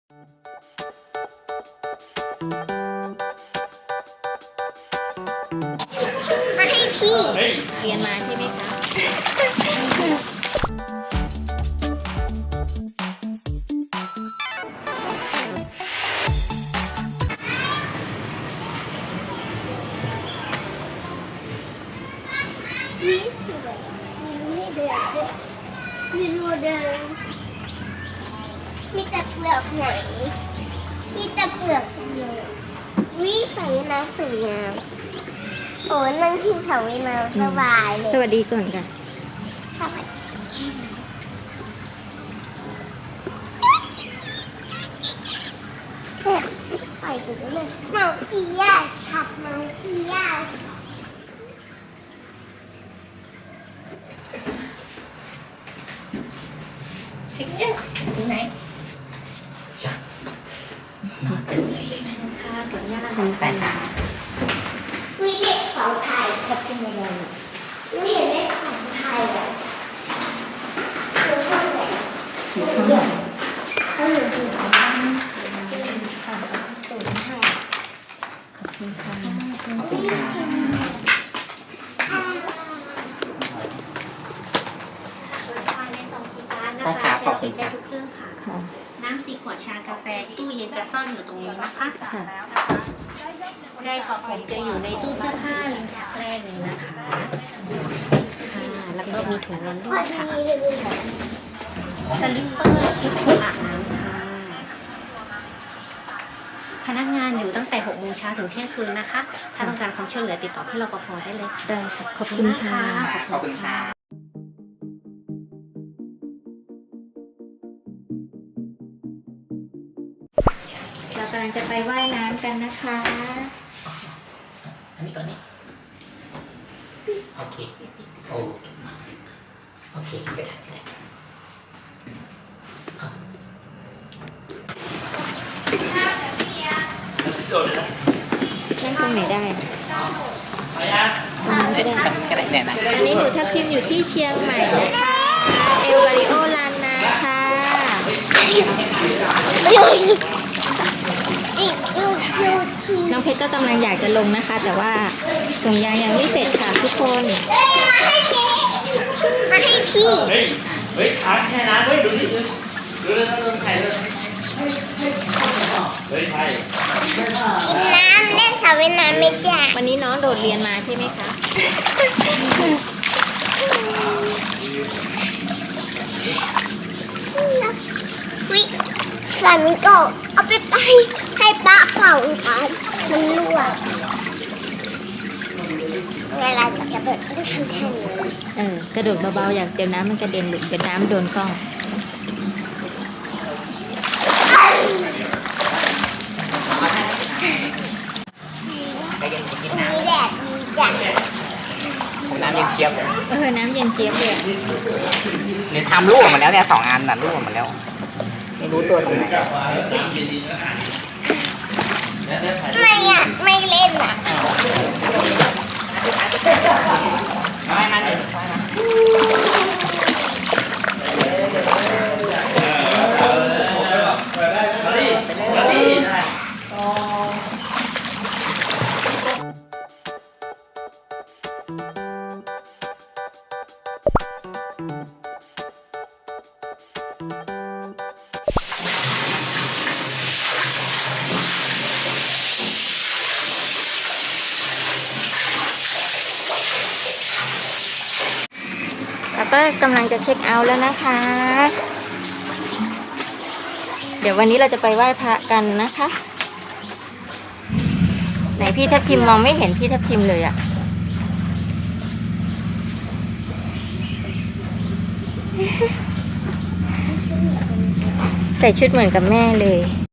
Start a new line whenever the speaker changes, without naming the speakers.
มาให้พี่
เรียนมาใช่ไหมคะ
นี่สวยมีให้เดินด้วยมีรูเดินมีแต่เปลือกหอยมีแต่เปลือกสวยวิสระว่ายน้ำสวยงามโอ้นั่งที่สระว่ายน้ำสบายเลย
สวัสดีก่อนค่ะ
สวัสดีไปดูเลยน้องขี้ยาชัดน้องขี้ยาถึงเนี่ยถึงไหน
จ้ะนอนตื่นเลยเลยนะ
ค่ะถึงย่า
ตั้งแต่หา
วิเล็กเสาไทยกับเป็นยังไงวิเห็นเลขเสาไทยอ่ะคือข้างไหน
อยู่ข้างหลัง
เขาอยู่ที่ไหนเสาสูงไทย
ขอบคุณค่ะ
ขอบคุณค่ะ
ภายใน2กีการนะคะใช้ติดได้ทุกเครื่องค่ะ
ค่ะ
น้ำ4 ขวดชากาแฟตู้เย็นจะซ่อนอยู่ตรงนี้นะคะ
ค่ะ
ได้กระผมจะอยู่ในตู้เสื้อผ้าลิ้นชักแรกนี้นะคะ
ค่ะ แล้วก็มีถุงนอน
พ
ด้
อ
วย
ดี
ค่ะ
เลย
สลิปเปอร์ชุดอาบน้ำค่ะ พนักงานอยู่ตั้งแต่6 โมงเช้าถึงเที่ยงคืนนะคะ ถ้าต้องการความช่วยเหลือติดต่อพี่รปภได้เลยค่ะ
ได้ค่ะ ขอบคุณค่ะ
ขอบคุณค่ะ
เรากำลังจะไปว่ายน้ำกันนะคะ
อันนี้ตัวนี้โอเคโอ้โอเคไปทางที่ไหนอ่ะ
นั่งตรงไหนได้
เด็ดทำกระไรเนี่ยนะ
อันนี้หนูทับทิมอยู่ที่เชียงใหม่นะคะ เอลวาริโอลานนาค่ะ
อีกลูกที
น้องเพชรก็กำลังอยากจะลงนะคะ แต่ว่าถุงยางยังไม่เสร็จค่ะทุกคน
มาให้พี่มาให้พี่
เฮ้ย เฮ้ยขาแช่น้ำเฮ้ยดูดิดูเลยนะดูไข่เลยเฮ้ยไข่
กินน้ำเล่นสระว่ายน้ำไม่ได้
วันนี้น้องโดดเรียนมาใช่ไหมคะ
วิสามีก็เอาไปให้ป้าเป่ากันมันรั่วเวลาจะกระโดดก็ทำแทนเลย
กระโดดเบาๆอย่างเดี๋ยวน้ำมันกระเด็นหลุดเดี๋ยวน้ำโดนกล้อง
ไปเย็นไปกิน
มี
น้ำ
แดดดีจัง
ผมน้ำเย็นเชียบเลย
น้ำเย็นเจี๊ยบเลยอะ
เนี่ยทำลูกออกมาแล้วเนี่ย2 อันน่ะลูกออกมาแล้ว ไม่รู้ตัวตรงไหน
ไม่อ่ะไม่เล่นอ่ะ
ไม่มาหนึ่ง
มาดิมาดิได้
แล้วก็กำลังจะเช็คเอาท์แล้วนะคะ เดี๋ยววันนี้เราจะไปไหว้พระกันนะคะ ไหนพี่ทับทิมมองไม่เห็นพี่ทับทิมเลยอะใส่ชุดเหมือนกับแม่เลย